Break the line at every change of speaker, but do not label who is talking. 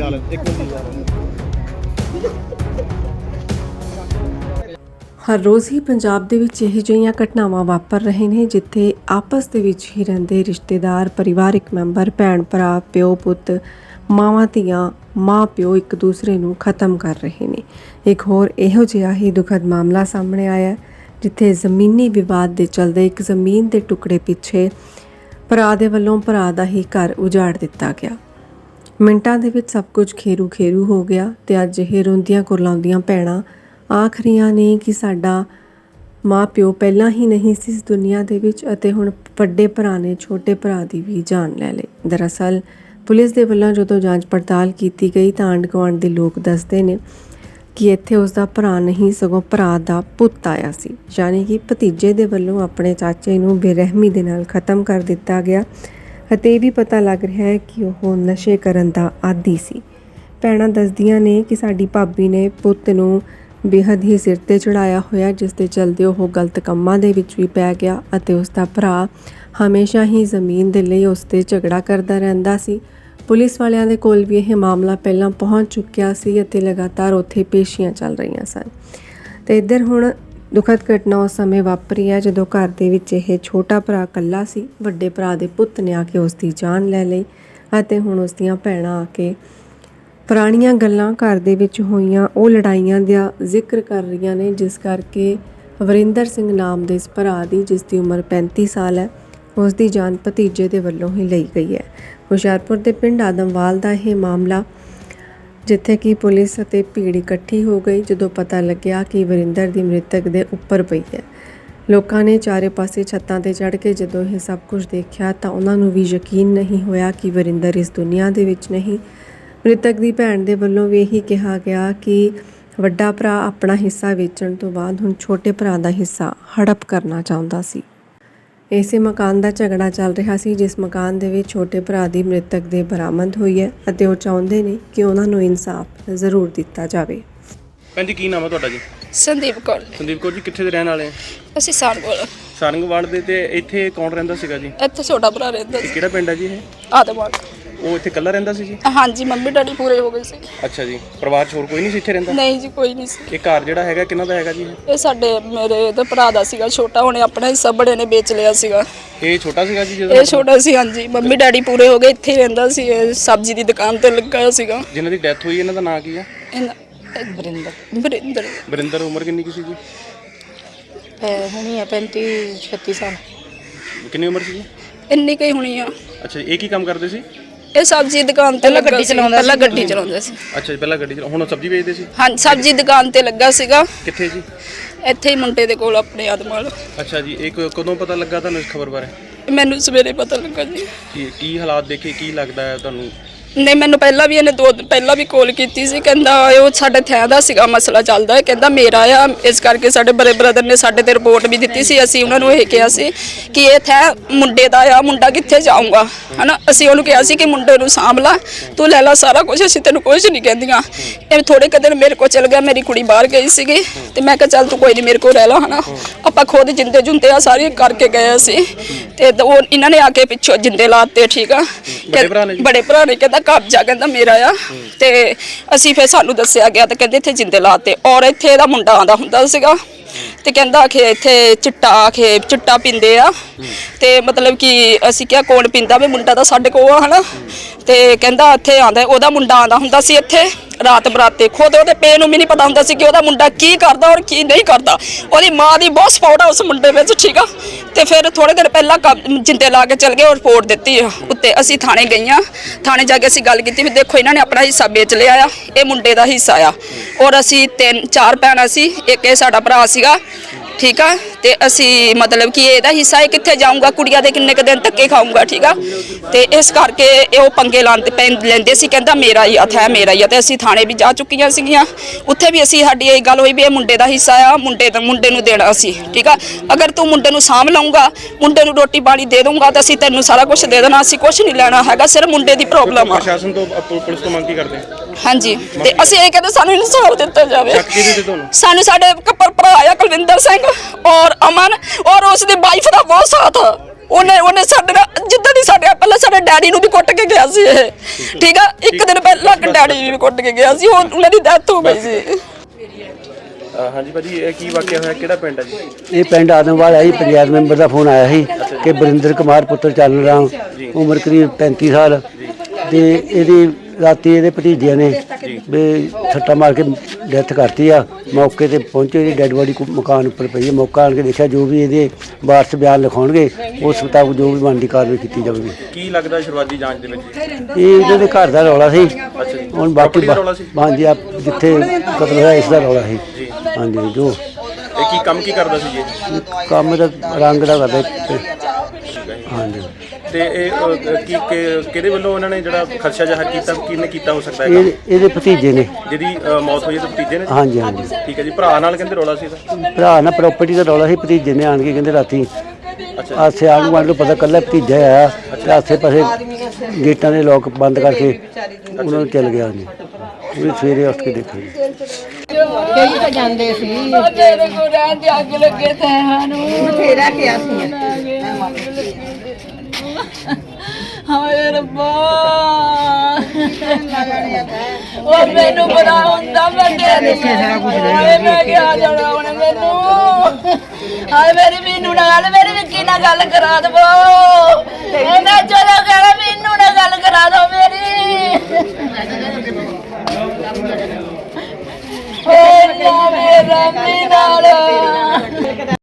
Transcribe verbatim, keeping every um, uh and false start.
ਹਰ ਰੋਜ਼ ਹੀ ਪੰਜਾਬ ਦੇ ਵਿੱਚ ਇਹੋ ਜਿਹੀਆਂ ਘਟਨਾਵਾਂ ਵਾਪਰ ਰਹੇ ਨੇ ਜਿੱਥੇ ਆਪਸ ਦੇ ਵਿੱਚ ਹੀ ਰਹਿੰਦੇ ਰਿਸ਼ਤੇਦਾਰ, ਪਰਿਵਾਰਿਕ ਮੈਂਬਰ, ਭੈਣ ਭਰਾ, ਪਿਓ ਪੁੱਤ, ਮਾਵਾਂ ਧੀਆਂ, ਮਾਂ ਪਿਓ ਇੱਕ ਦੂਸਰੇ ਨੂੰ ਖਤਮ ਕਰ ਰਹੇ ਨੇ। ਇੱਕ ਹੋਰ ਇਹੋ ਜਿਹਾ ਹੀ ਦੁਖਦ ਮਾਮਲਾ ਸਾਹਮਣੇ ਆਇਆ ਜਿੱਥੇ ਜ਼ਮੀਨੀ ਵਿਵਾਦ ਦੇ ਚਲਦੇ ਇੱਕ ਜ਼ਮੀਨ ਦੇ ਟੁਕੜੇ ਪਿੱਛੇ ਭਰਾ ਦੇ ਵੱਲੋਂ ਭਰਾ ਦਾ ਹੀ ਘਰ ਉਜਾੜ ਦਿੱਤਾ ਗਿਆ। ਮਿੰਟਾਂ ਦੇ ਵਿੱਚ ਸਭ ਕੁਝ ਖੇਰੂ ਖੇਰੂ ਹੋ ਗਿਆ ਤੇ ਅੱਜ ਇਹ ਰੋਂਦੀਆਂ ਕੁਰਲਾਉਂਦੀਆਂ ਭੈਣਾਂ ਆਖ ਰਹੀਆਂ ਨੇ ਕਿ ਸਾਡਾ ਮਾਂ ਪਿਓ ਪਹਿਲਾਂ ਹੀ ਨਹੀਂ ਸੀ ਇਸ ਦੁਨੀਆ ਦੇ ਵਿੱਚ ਅਤੇ ਹੁਣ ਵੱਡੇ ਭਰਾ ਨੇ ਛੋਟੇ ਭਰਾ ਦੀ ਵੀ ਜਾਨ ਲੈ ਲਈ। ਦਰਅਸਲ ਪੁਲਿਸ ਦੇ ਵੱਲੋਂ ਜਦੋਂ ਜਾਂਚ ਪੜਤਾਲ ਕੀਤੀ ਗਈ ਤਾਂ ਆਂਢ ਗੁਆਂਢ ਦੇ ਲੋਕ ਦੱਸਦੇ ਨੇ ਕਿ ਇੱਥੇ ਉਸ ਦਾ ਭਰਾ ਨਹੀਂ ਸਗੋਂ ਭਰਾ ਦਾ ਪੁੱਤ ਆਇਆ ਸੀ, ਯਾਨੀ ਕਿ ਭਤੀਜੇ ਦੇ ਵੱਲੋਂ ਆਪਣੇ ਚਾਚੇ ਨੂੰ ਬੇਰਹਿਮੀ ਦੇ ਨਾਲ ਖਤਮ ਕਰ ਦਿੱਤਾ ਗਿਆ ਅਤੇ ਇਹ ਵੀ ਪਤਾ ਲੱਗ ਰਿਹਾ ਹੈ ਕਿ ਉਹ ਨਸ਼ੇ ਕਰਨ ਦਾ ਆਦੀ ਸੀ। ਭੈਣਾਂ ਦੱਸਦੀਆਂ ਨੇ ਕਿ ਸਾਡੀ ਭਾਬੀ ਨੇ ਪੁੱਤ ਨੂੰ ਬੇਹੱਦ ਹੀ ਸਿਰ 'ਤੇ ਚੜਾਇਆ ਹੋਇਆ, ਜਿਸ ਦੇ ਚਲਦੇ ਉਹ ਗਲਤ ਕੰਮਾਂ ਦੇ ਵਿੱਚ ਵੀ ਪੈ ਗਿਆ ਅਤੇ ਉਸ ਦਾ ਭਰਾ ਹਮੇਸ਼ਾ ਹੀ ਜ਼ਮੀਨ ਦੇ ਲਈ ਉਸ 'ਤੇ ਝਗੜਾ ਕਰਦਾ ਰਹਿੰਦਾ ਸੀ। ਪੁਲਿਸ ਵਾਲਿਆਂ ਦੇ ਕੋਲ ਵੀ ਇਹ ਮਾਮਲਾ ਪਹਿਲਾਂ ਪਹੁੰਚ ਚੁੱਕਿਆ ਸੀ ਅਤੇ ਲਗਾਤਾਰ ਉੱਥੇ ਪੇਸ਼ੀਆਂ ਚੱਲ ਰਹੀਆਂ ਸਨ ਤੇ ਇੱਧਰ ਹੁਣ ਦੁਖਦ ਘਟਨਾ ਉਸ ਸਮੇਂ ਵਾਪਰੀ ਹੈ ਜਦੋਂ ਘਰ ਦੇ ਵਿੱਚ ਇਹ ਛੋਟਾ ਭਰਾ ਇਕੱਲਾ ਸੀ। ਵੱਡੇ ਭਰਾ ਦੇ ਪੁੱਤ ਨੇ ਆ ਕੇ ਉਸ ਦੀ ਜਾਨ ਲੈ ਲਈ ਅਤੇ ਹੁਣ ਉਸ ਦੀਆਂ ਭੈਣਾਂ ਆ ਕੇ ਪੁਰਾਣੀਆਂ ਗੱਲਾਂ ਘਰ ਦੇ ਵਿੱਚ ਹੋਈਆਂ ਉਹ ਲੜਾਈਆਂ ਦਾ ਜ਼ਿਕਰ ਕਰ ਰਹੀਆਂ ਨੇ, ਜਿਸ ਕਰਕੇ ਵਰਿੰਦਰ ਸਿੰਘ ਨਾਮ ਦੇ ਇਸ ਭਰਾ ਦੀ, ਜਿਸ ਦੀ ਉਮਰ ਪੈਂਤੀ ਸਾਲ ਹੈ, ਉਸ ਦੀ ਜਾਨ ਭਤੀਜੇ ਦੇ ਵੱਲੋਂ ਹੀ ਲਈ ਗਈ ਹੈ। ਹੁਸ਼ਿਆਰਪੁਰ ਦੇ ਪਿੰਡ ਆਦਮਵਾਲ ਦਾ ਇਹ ਮਾਮਲਾ, ਜਿੱਥੇ ਕਿ ਪੁਲਿਸ ਅਤੇ ਭੀੜ ਇਕੱਠੀ ਹੋ ਗਈ ਜਦੋਂ ਪਤਾ ਲੱਗਿਆ ਕਿ ਵਰਿੰਦਰ ਦੀ ਮ੍ਰਿਤਕ ਦੇ ਉੱਪਰ ਪਈ ਹੈ। ਲੋਕਾਂ ਨੇ ਚਾਰੇ ਪਾਸੇ ਛੱਤਾਂ 'ਤੇ ਚੜ੍ਹ ਕੇ ਜਦੋਂ ਇਹ ਸਭ ਕੁਝ ਦੇਖਿਆ ਤਾਂ ਉਹਨਾਂ ਨੂੰ ਵੀ ਯਕੀਨ ਨਹੀਂ ਹੋਇਆ ਕਿ ਵਰਿੰਦਰ ਇਸ ਦੁਨੀਆ ਦੇ ਵਿੱਚ ਨਹੀਂ। ਮ੍ਰਿਤਕ ਦੀ ਭੈਣ ਦੇ ਵੱਲੋਂ ਵੀ ਇਹੀ ਕਿਹਾ ਗਿਆ ਕਿ ਵੱਡਾ ਭਰਾ ਆਪਣਾ ਹਿੱਸਾ ਵੇਚਣ ਤੋਂ ਬਾਅਦ ਹੁਣ ਛੋਟੇ ਭਰਾ ਦਾ ਹਿੱਸਾ ਹੜਪ ਕਰਨਾ ਚਾਹੁੰਦਾ ਸੀ। ਇਸੇ ਮਕਾਨ ਦਾ ਝਗੜਾ ਚੱਲ ਰਿਹਾ ਸੀ ਜਿਸ ਮਕਾਨ ਦੇ ਵਿੱਚ ਛੋਟੇ ਭਰਾ ਦੀ ਮ੍ਰਿਤਕ ਦੇ ਬਰਾਮਦ ਹੋਈ ਹੈ ਅਤੇ ਉਹ ਚਾਹੁੰਦੇ ਨੇ ਕਿ ਉਹਨਾਂ ਨੂੰ ਇਨਸਾਫ ਜ਼ਰੂਰ ਦਿੱਤਾ ਜਾਵੇ।
ਭੈਣ ਜੀ ਕੀ ਨਾਮ ਹੈ ਤੁਹਾਡਾ ਜੀ?
ਸੰਦੀਪ ਕੌਰ।
ਸੰਦੀਪ ਕੌਰ ਜੀ ਕਿੱਥੇ ਦੇ ਰਹਿਣ ਵਾਲੇ ਆ?
ਅਸੀਂ ਸਾਰੰਗਵਾਲ।
ਸਾਰੰਗਵਾਲ ਦੇ। ਤੇ ਇੱਥੇ ਕੌਣ ਰਹਿੰਦਾ ਸੀਗਾ ਜੀ?
ਇੱਥੇ ਛੋਟਾ ਭਰਾ ਰਹਿੰਦਾ ਸੀ।
ਕਿਹੜਾ ਪਿੰਡ ਹੈ ਜੀ ਇਹ?
ਆਦਮਵਾਲ।
ਉਹ ਇੱਥੇ ਇਕੱਲਾ ਰਹਿੰਦਾ ਸੀ ਜੀ?
ਹਾਂਜੀ, ਮੰਮੀ ਡੈਡੀ ਪੂਰੇ ਹੋ ਗਏ ਸੀ।
ਅੱਛਾ ਜੀ, ਪਰਿਵਾਰ 'ਚ ਹੋਰ ਕੋਈ ਨਹੀਂ ਸੀ ਇੱਥੇ ਰਹਿੰਦਾ?
ਨਹੀਂ ਜੀ, ਕੋਈ ਨਹੀਂ ਸੀ।
ਇਹ ਘਰ ਜਿਹੜਾ ਹੈਗਾ ਕਿਹਨਾਂ ਦਾ ਹੈਗਾ ਜੀ?
ਇਹ ਸਾਡੇ ਮੇਰੇ ਤੇ ਭਰਾ ਦਾ ਸੀਗਾ ਛੋਟਾ, ਉਹਨੇ ਆਪਣਾ ਹਿੱਸਾ ਬੜੇ ਨੇ ਵੇਚ ਲਿਆ ਸੀਗਾ।
ਇਹ ਛੋਟਾ ਸੀਗਾ ਜੀ ਜਦੋਂ?
ਇਹ ਛੋਟਾ ਸੀ, ਹਾਂਜੀ। ਮੰਮੀ ਡੈਡੀ ਪੂਰੇ ਹੋ ਗਏ, ਇੱਥੇ ਹੀ ਰਹਿੰਦਾ ਸੀ। ਇਹ ਸਬਜ਼ੀ ਦੀ ਦੁਕਾਨ ਤੇ ਲੱਗਾ ਸੀਗਾ।
ਜਿਨ੍ਹਾਂ ਦੀ ਡੈਥ ਹੋਈ ਇਹਨਾਂ ਦਾ ਨਾਂ ਕੀ ਆ?
ਵਰਿੰਦਰ। ਵਰਿੰਦਰ।
ਵਰਿੰਦਰ ਉਮਰ ਕਿੰਨੀ ਕੀ ਸੀ ਜੀ?
ਹੋਣੀ ਆ ਪੈਂਤੀ ਛੱਤੀ ਸਾਲ।
ਕਿੰਨੀ ਉਮਰ ਸੀ ਜੀ?
ਇੰਨੀ ਕਈ ਹੋਣੀ ਆ।
ਅੱਛਾ, ਇਹ ਕੀ ਕੰਮ ਕਰਦੇ ਸੀ?
ਇਹ ਸਬਜ਼ੀ ਦੁਕਾਨ ਤੇ ਲੱਗਾ ਸੀ। ਪਹਿਲਾਂ ਗੱਡੀ ਚਲਾਉਂਦਾ ਸੀ।
ਅੱਛਾ ਜੀ, ਪਹਿਲਾਂ ਗੱਡੀ ਚਲਾ, ਹੁਣ ਸਬਜ਼ੀ ਵੇਚਦੇ ਸੀ?
ਹਾਂ, ਸਬਜ਼ੀ ਦੁਕਾਨ ਤੇ ਲੱਗਾ ਸੀਗਾ।
ਕਿੱਥੇ ਜੀ?
ਇੱਥੇ ਹੀ ਮੁੰਡੇ ਦੇ ਕੋਲ, ਆਪਣੇ ਆਦਮਵਾਲ।
ਅੱਛਾ ਜੀ, ਇਹ ਕ- ਕਦੋਂ ਪਤਾ ਲੱਗਾ ਤੁਹਾਨੂੰ ਇਸ ਖਬਰ ਬਾਰੇ?
ਮੈਨੂੰ ਸਵੇਰੇ ਪਤਾ ਲੱਗਾ ਜੀ।
ਕੀ ਕੀ ਹਾਲਾਤ ਦੇਖੇ, ਕੀ ਲੱਗਦਾ ਹੈ ਤੁਹਾਨੂੰ?
ਨਹੀਂ, ਮੈਨੂੰ ਪਹਿਲਾਂ ਵੀ ਇਹਨੇ ਦੋ ਦਿਨ ਪਹਿਲਾਂ ਵੀ ਕਾਲ ਕੀਤੀ ਸੀ। ਕਹਿੰਦਾ ਉਹ ਸਾਡੇ ਥੈਂ ਦਾ ਸੀਗਾ ਮਸਲਾ ਚੱਲਦਾ ਹੈ, ਕਹਿੰਦਾ ਮੇਰਾ ਆ, ਇਸ ਕਰਕੇ ਸਾਡੇ ਬੜੇ ਬ੍ਰਦਰ ਨੇ ਸਾਡੇ ਤੇ ਰਿਪੋਰਟ ਵੀ ਦਿੱਤੀ ਸੀ। ਅਸੀਂ ਉਹਨਾਂ ਨੂੰ ਇਹ ਕਿਹਾ ਸੀ ਕਿ ਇਹ ਥੈਂ ਮੁੰਡੇ ਦਾ ਆ, ਮੁੰਡਾ ਕਿੱਥੇ ਜਾਊਗਾ, ਹਨਾ। ਅਸੀਂ ਉਹਨੂੰ ਕਿਹਾ ਸੀ ਕਿ ਮੁੰਡੇ ਨੂੰ ਸਾਂਭ ਲਾ, ਤੂੰ ਲੈ ਲਾ ਸਾਰਾ ਕੁਝ, ਅਸੀਂ ਤੈਨੂੰ ਕੁਝ ਨਹੀਂ ਕਹਿੰਦੀਆਂ। ਇਹ ਥੋੜੇ ਕੁ ਦਿਨ ਮੇਰੇ ਕੋਲ ਚਲ ਗਿਆ, ਮੇਰੀ ਕੁੜੀ ਬਾਹਰ ਗਈ ਸੀਗੀ ਤੇ ਮੈਂ ਕਿਹਾ ਚੱਲ ਤੂੰ ਕੋਈ ਨਹੀਂ ਮੇਰੇ ਕੋਲ ਰਹਿ ਲਾ, ਹਨਾ। ਆਪਾਂ ਖੁਦ ਜਿੰਦੇ ਜੁੰਦੇ ਆ ਸਾਰੇ ਕਰਕੇ ਗਏ ਸੀ ਤੇ ਉਹ ਇਹਨਾਂ ਨੇ ਆ ਕੇ ਪਿੱਛੋਂ ਜਿੰਦੇ ਲਾਤੇ। ਠੀਕ ਆ, ਬੜੇ ਭਰਾ ਨੇ ਕਹਿੰਦਾ ਕਬਜ਼ਾ ਕਹਿੰਦਾ ਮੇਰਾ ਆ ਤੇ ਅਸੀਂ ਫਿਰ ਸਾਨੂੰ ਦੱਸਿਆ ਗਿਆ ਤੇ ਕਹਿੰਦੇ ਇੱਥੇ ਜਿੰਦੇ ਲਾਤੇ। ਔਰ ਇੱਥੇ ਇਹਦਾ ਮੁੰਡਾ ਆਉਂਦਾ ਹੁੰਦਾ ਸੀਗਾ ਤੇ ਕਹਿੰਦਾ ਕਿ ਇੱਥੇ ਚਿੱਟਾ ਆਖੇ ਚਿੱਟਾ ਪੀਂਦੇ ਆ ਤੇ ਮਤਲਬ ਕਿ ਅਸੀਂ ਕਿਹਾ ਕੌਣ ਪੀਂਦਾ ਵੀ? ਮੁੰਡਾ ਤਾਂ ਸਾਡੇ ਕੋਲ ਆ, ਹਨਾ। ਤੇ ਕਹਿੰਦਾ ਇੱਥੇ ਆਉਂਦਾ, ਉਹਦਾ ਮੁੰਡਾ ਆਉਂਦਾ ਹੁੰਦਾ ਸੀ ਇੱਥੇ ਰਾਤ ਬਰਾਤੇ। ਖੁਦ ਉਹਦੇ ਪੇ ਨੂੰ ਵੀ ਨਹੀਂ ਪਤਾ ਹੁੰਦਾ ਸੀ ਕਿ ਉਹਦਾ ਮੁੰਡਾ ਕੀ ਕਰਦਾ ਔਰ ਕੀ ਨਹੀਂ ਕਰਦਾ। ਉਹਦੀ ਮਾਂ ਦੀ ਬਹੁਤ ਸਪੋਰਟ ਆ ਉਸ ਮੁੰਡੇ ਵਿੱਚ, ਠੀਕ ਆ। ਤੇ ਫਿਰ ਥੋੜੇ ਦਿਨ ਪਹਿਲਾਂ ਜਿੰਦੇ ਲਾ ਕੇ ਚਲ ਗਏ ਔਰ ਰਿਪੋਰਟ ਦਿੱਤੀ ਉੱਤੇ। ਅਸੀਂ ਥਾਣੇ ਗਈਆਂ, ਥਾਣੇ ਜਾ ਕੇ ਅਸੀਂ ਗੱਲ ਕੀਤੀ ਵੀ ਦੇਖੋ ਇਹਨਾਂ ਨੇ ਆਪਣਾ ਹਿੱਸਾ ਵੇਚ ਲਿਆ ਆ, ਇਹ ਮੁੰਡੇ ਦਾ ਹਿੱਸਾ ਆ। ਔਰ ਅਸੀਂ ਤਿੰਨ ਚਾਰ ਭੈਣਾਂ ਸੀ, ਇੱਕ ਇਹ ਸਾਡਾ ਭਰਾ ਸੀਗਾ, ਠੀਕ ਆ। ਤੇ ਅਸੀਂ ਮਤਲਬ ਕਿ ਇਹਦਾ ਹਿੱਸਾ ਇਹ ਕਿੱਥੇ ਜਾਊਗਾ, ਕੁੜੀਆਂ ਦੇ ਕਿੰਨੇ ਕੁ ਦਿਨ ਧੱਕੇ ਖਾਊਗਾ, ਠੀਕ ਆ। ਤੇ ਇਸ ਕਰਕੇ ਇਹ ਉਹ ਪੰਗੇ ਲਾਉਂਦੇ ਪੈ ਲੈਂਦੇ ਸੀ, ਕਹਿੰਦਾ ਮੇਰਾ ਹੀ ਹੱਥ ਹੈ, ਮੇਰਾ ਹੀ ਆ। ਤੇ ਅਸੀਂ ਥਾਣੇ ਵੀ ਜਾ ਚੁੱਕੀਆਂ ਸੀਗੀਆਂ, ਉੱਥੇ ਵੀ ਅਸੀਂ ਸਾਡੀ ਇਹ ਗੱਲ ਹੋਈ ਵੀ ਇਹ ਮੁੰਡੇ ਦਾ ਹਿੱਸਾ ਆ, ਮੁੰਡੇ ਦਾ ਮੁੰਡੇ ਨੂੰ ਦੇਣਾ ਸੀ, ਠੀਕ ਆ। ਅਗਰ ਤੂੰ ਮੁੰਡੇ ਨੂੰ ਸਾਂਭ ਲਊਂਗਾ, ਮੁੰਡੇ ਨੂੰ ਰੋਟੀ ਪਾਣੀ ਦੇ ਦਊਂਗਾ ਤਾਂ ਅਸੀਂ ਤੈਨੂੰ ਸਾਰਾ ਕੁਝ ਦੇ ਦੇਣਾ, ਅਸੀਂ ਕੁਝ ਨਹੀਂ ਲੈਣਾ ਹੈਗਾ, ਸਿਰਫ ਮੁੰਡੇ ਦੀ ਪ੍ਰੋਬਲਮ ਆ।
ਪ੍ਰਸ਼ਾਸਨ ਤੋਂ ਪੁਲਿਸ ਤੋਂ ਮੰਗ ਕੀ ਕਰਦੇ?
ਹਾਂਜੀ, ਤੇ ਅਸੀਂ ਇਹ ਕਹਿੰਦੇ ਸਾਨੂੰ ਇਨਸਾਫ ਦਿੱਤਾ ਜਾਵੇ।
ਸ਼ੱਕ ਕਿਹਦੇ ਤੇ ਤੁਹਾਨੂੰ?
ਸਾਨੂੰ ਸਾਡੇ ਕੱਪਰ ਭਰਾ ਆ ਕੁਲਵਿੰਦਰ ਸਿੰਘ ਔਰ ਅਮਨ ਔਰ ਉਸ ਦੀ ਵਾਈਫ ਦਾ ਬਹੁਤ ਸਾਥ। ਉਹਨੇ ਉਹਨੇ ਸਾਡੇ ਨਾਲ ਜਿੱਦਾਂ ਦੀ ਸਾਡੇ ਪਹਿਲਾਂ ਸਾਡੇ ਡੈਡੀ ਨੂੰ ਵੀ ਕੁੱਟ ਕੇ ਗਿਆ ਸੀ ਇਹ, ਠੀਕ ਆ। ਇੱਕ ਦਿਨ ਪਹਿਲਾਂ ਡੈਡੀ ਨੂੰ ਵੀ ਕੁੱਟ ਕੇ ਗਿਆ ਸੀ, ਉਹ ਉਹਨਾਂ ਦੀ ਡੈਥ ਹੋ ਗਈ ਸੀ।
ਅ, ਹਾਂਜੀ ਭਾਜੀ ਇਹ ਕੀ ਵਾਕਿਆ ਹੋਇਆ, ਕਿਹੜਾ ਪਿੰਡ ਹੈ ਜੀ?
ਇਹ ਪਿੰਡ ਆਦਮਵਾਲ ਹੈ ਜੀ। ਪੰਚਾਇਤ ਮੈਂਬਰ ਦਾ ਫੋਨ ਆਇਆ ਸੀ ਕਿ ਬਰਿੰਦਰ ਕੁਮਾਰ ਪੁੱਤਰ ਚੱਲ ਰਾਮ ਉਮਰ ਕਰੀਬ ਪੈਂਤੀ ਸਾਲ ਤੇ ਇਹਦੀ ਰਾਤੀ ਇਹਦੇ ਭਤੀਜਿਆਂ ਨੇ ਵੀ ਸੱਟਾ ਮਾਰ ਕੇ ਡੈਥ ਕਰਤੀ ਆ। ਮੌਕੇ ਤੇ ਪਹੁੰਚੇ, ਇਹਦੀ ਡੈੱਡ ਬੋਡੀ ਮਕਾਨ ਉੱਪਰ ਪਈ ਹੈ। ਮੌਕਾ ਆਣ ਕੇ ਦੇਖਿਆ, ਜੋ ਵੀ ਇਹਦੇ ਵਾਰਸ ਬਿਆਨ ਲਿਖਾਉਣਗੇ ਉਸ ਮੁਤਾਬਕ ਜੋ ਵੀ ਬਣਦੀ ਕਾਰਵਾਈ ਕੀਤੀ ਜਾਵੇਗੀ।
ਕੀ ਲੱਗਦਾ ਸ਼ੁਰੂਆਤੀ ਜਾਂਚ ਦੇ ਵਿੱਚ
ਇਹ ਇਹਨਾਂ ਦੇ ਘਰ ਦਾ ਰੌਲਾ ਸੀ। ਹੁਣ ਬਾਕੀ
ਦਾ ਰੌਲਾ ਸੀ?
ਹਾਂਜੀ, ਆ ਜਿੱਥੇ ਕਤਲ ਹੋਇਆ ਇਸ ਦਾ ਰੌਲਾ ਸੀ। ਹਾਂਜੀ, ਜੋ
ਇਹ ਕੀ ਕੰਮ ਕੀ ਕਰਦਾ ਸੀ ਜੀ?
ਕੰਮ ਦਾ ਰੰਗ ਦਾ ਕਰਦਾ ਤੇ- ਹਾਂਜੀ।
ਤੇ ਇਹ ਅ, ਕੀ ਕਿ- ਕਿਹਦੇ ਵੱਲੋਂ ਉਹਨਾਂ ਨੇ ਜਿਹੜਾ ਖਦਸ਼ਾ ਜ਼ਾਹਰ ਕੀਤਾ, ਕਿਹਨੇ ਕੀਤਾ ਹੋ ਸਕਦਾ ਹੈ
ਇਹ ਇਹਦੇ ਭਤੀਜੇ ਨੇ।
ਜਿਹਦੀ ਅ, ਮੌਤ ਹੋਈ ਹੈ ਤੇ ਭਤੀਜੇ ਨੇ?
ਹਾਂਜੀ ਹਾਂਜੀ,
ਠੀਕ ਹੈ ਜੀ। ਭਰਾ ਨਾਲ ਕਹਿੰਦੇ ਰੌਲਾ ਸੀ ਇਹਦਾ?
ਭਰਾ ਨਾਲ ਪ੍ਰਾਪਰਟੀ ਦਾ ਰੌਲਾ ਸੀ। ਭਤੀਜੇ ਨੇ ਆਣ ਕੇ ਕਹਿੰਦੇ ਰਾਤੀ ਆਸੇ ਆਣ ਗੁਆਂਢ ਨੂੰ ਪਤਾ ਕੱਲਾ ਭਤੀਜਾ ਆਇਆ ਤੇ ਆਸੇ ਪਾਸੇ ਗੇਟਾਂ ਦੇ ਲੋਕ ਬੰਦ ਕਰਕੇ ਉਹਨਾਂ ਨੂੰ ਚੱਲ ਗਿਆ ਜੀ। ਉਹ ਸਵੇਰੇ ਉੱਠ ਕੇ ਦੇਖਿਆ ਜੀ।
ਕਈ ਤਾਂ ਜਾਂਦੇ ਸੀ
ਮੇਰੇ ਕੋਲ ਰਹਿਣ ਦੇ ਅੱਗ ਲੱਗੇ ਤੈਨੂੰ
ਬਥੇਰਾ ਕਿਹਾ ਸੀ।
ਹਾਏ ਰੱਬਾ, ਉਹ ਮੈਨੂੰ ਬੜਾ ਹੁੰਦਾ ਮੈਂ ਤੇਰੇ ਹਾਏ ਮੈਂ ਕਿਹਾ ਜਾਣਾ ਹੁਣ ਮੈਨੂੰ। ਹਾਏ ਮੇਰੀ ਮੀਨੂ ਨਾਲ ਮੇਰੀ ਵਿੱਕੀ ਨਾਲ ਗੱਲ ਕਰਾ ਦਵੋ। ਮੈਂ ਚਲੋ ਕਹਿਣਾ ਮੀਨੂ ਨਾਲ ਗੱਲ ਕਰਾ ਦੋ ਮੇਰੀ। ਓ ਮੇਰਾ ਮੀਨਾ ਨਾਲ